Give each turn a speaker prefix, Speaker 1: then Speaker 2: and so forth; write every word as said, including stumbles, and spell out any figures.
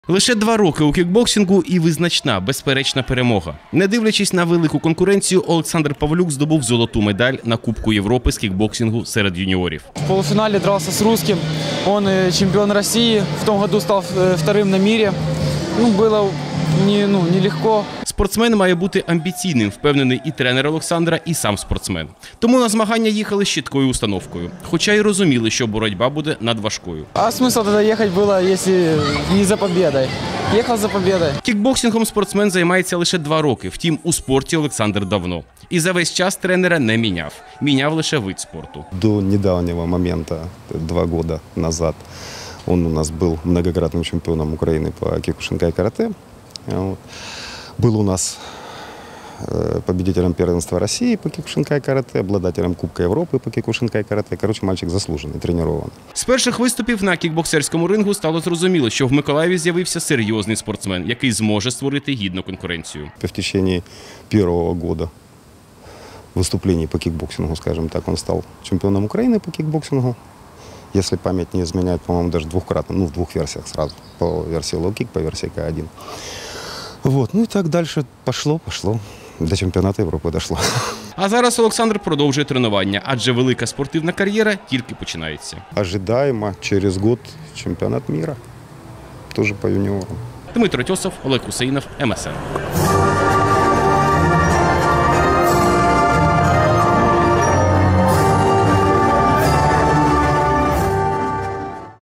Speaker 1: Лише два роки у кікбоксингу і визначна, безперечна перемога. Не дивлячись на велику конкуренцію, Олександр Павлюк здобув золоту медаль на Кубку Європи з кікбоксингу серед юніорів.
Speaker 2: В полуфинале дрался с русским. Он чемпион России. В том году стал вторым на мире. Ну, было не, ну, нелегко.
Speaker 1: Спортсмен має бути амбіційним, впевнений і тренер Олександра, і сам спортсмен. Тому на змагання їхали з чіткою установкою. Хоча й розуміли, що боротьба буде надважкою.
Speaker 2: А смысл тогда ехать было, если не за победой? Ехал за победой.
Speaker 1: Кікбоксингом спортсмен займається лише два роки. Втім, у спорті Олександр давно. І за весь час тренера не міняв. Міняв лише вид спорту.
Speaker 3: До недавнего момента, два года назад, он у нас был многократным чемпионом Украины по киокушинкай карате. Вот. Был у нас победителем первенства России по киокушинкай карате, обладателем Кубка Европы по киокушинкай карате. Короче, мальчик заслужений, тренований.
Speaker 1: З перших виступів на кікбоксерському рингу стало зрозуміло, що в Миколаєві з'явився серйозний спортсмен, який зможе створити гідну конкуренцію.
Speaker 3: В течение первого года выступлений по кикбоксингу, скажем так, он стал чемпионом Украины по кикбоксингу. Если память не изменяет, по-моему, даже двухкратно, ну, в двух версиях сразу. По версии лоу-кик, по версии ка один. Вот, ну и так дальше пошло, пошло. До чемпіонату Європи дійшло.
Speaker 1: А зараз Олександр продовжує тренування, адже велика спортивна кар'єра тільки починається.
Speaker 3: Ожидаємо через год чемпіонат міра, теж по юніорам.
Speaker 1: Дмитро Тьосов, Олег Хусейнов, ем ес ен.